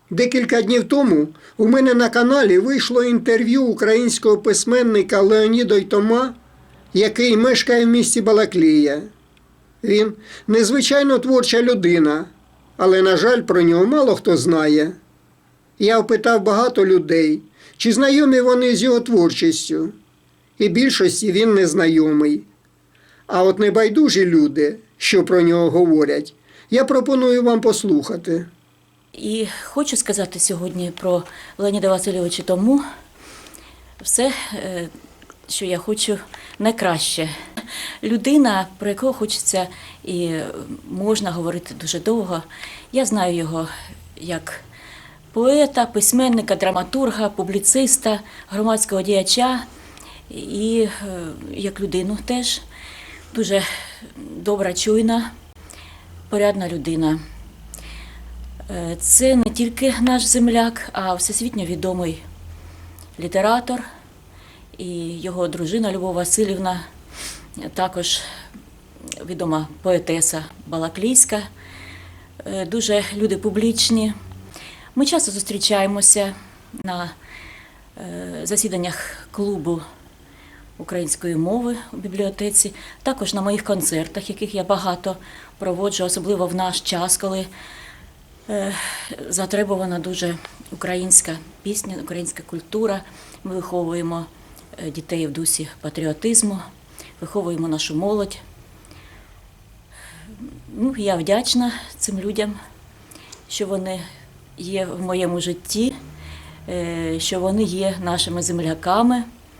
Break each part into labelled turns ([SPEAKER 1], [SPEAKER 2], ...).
[SPEAKER 1] Декілька днів тому у мене на каналі вийшло інтерв'ю українського письменника Леоніда Йтома, який мешкає в місті Балаклія. Він незвичайно творча людина, але, на жаль, про нього мало хто знає. Я опитав багато людей, чи знайомі вони з його творчістю, і більшості він не знайомий. А от небайдужі люди, що про нього говорять, я пропоную вам послухати.
[SPEAKER 2] І хочу сказати сьогодні про Леоніда Васильовича Тому все, що я хочу найкраще. Людина, про якого хочеться і можна говорити дуже довго. Я знаю його як поета, письменника, драматурга, публіциста, громадського діяча і як людину теж. Дуже добра, чуйна, порядна людина. Це не тільки наш земляк, а всесвітньо відомий літератор. І його дружина Любов Васильівна, також відома поетеса балаклійська. Дуже люди публічні. Ми часто зустрічаємося на засіданнях клубу української мови у бібліотеці, також на моїх концертах, яких я багато проводжу, особливо в наш час, коли затребувана дуже українська пісня, українська культура. Ми виховуємо дітей в дусі патріотизму, виховуємо нашу молодь. Я вдячна цим людям, що вони є в моєму житті, що вони є нашими земляками.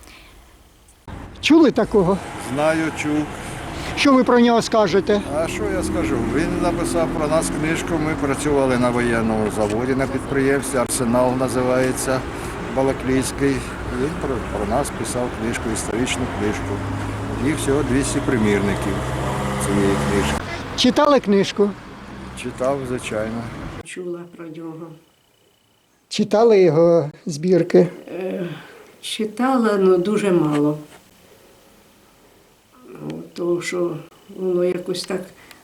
[SPEAKER 1] Чули такого?
[SPEAKER 3] Знаю, чув.
[SPEAKER 1] Що ви про нього скажете?
[SPEAKER 3] А що я скажу? Він написав про нас книжку. Ми працювали на воєнному заводі на підприємстві. «Арсенал» називається, балаклійський. Він про нас писав книжку, історичну книжку. Їх всього 200 примірників цієї книжки.
[SPEAKER 1] Читали книжку?
[SPEAKER 3] Читав, звичайно.
[SPEAKER 4] Чула про нього.
[SPEAKER 1] Читали його збірки?
[SPEAKER 4] Читала, але дуже мало. Тому що воно якось так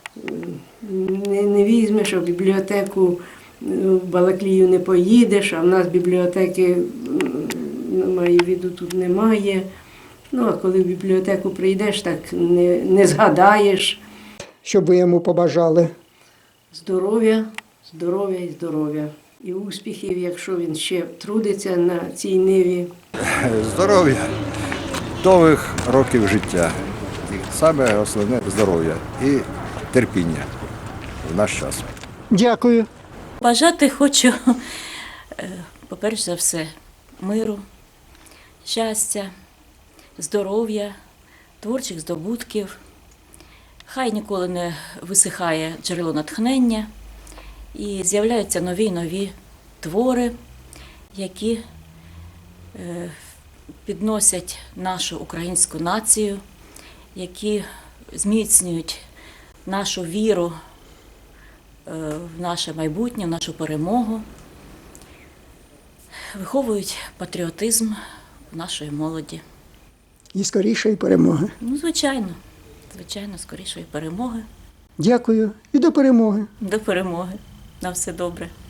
[SPEAKER 4] не візьмеш, а в бібліотеку в Балаклію не поїдеш, а в нас бібліотеки, маю в виду, тут немає. А коли в бібліотеку прийдеш, так не згадаєш.
[SPEAKER 1] Що б ви йому побажали?
[SPEAKER 4] Здоров'я, здоров'я і здоров'я. І успіхів, якщо він ще трудиться на цій ниві.
[SPEAKER 3] Здоров'я, довгих років життя. І саме основне здоров'я і терпіння в наш час.
[SPEAKER 1] Дякую.
[SPEAKER 2] Бажати хочу, по-перше за все, миру, щастя, здоров'я, творчих здобутків. Хай ніколи не висихає джерело натхнення і з'являються нові й нові твори, які підносять нашу українську націю, які зміцнюють нашу віру в наше майбутнє, в нашу перемогу, виховують патріотизм нашої молоді.
[SPEAKER 1] І скорішої перемоги.
[SPEAKER 2] Звичайно, скорішої перемоги.
[SPEAKER 1] Дякую і до перемоги.
[SPEAKER 2] До перемоги. На все добре.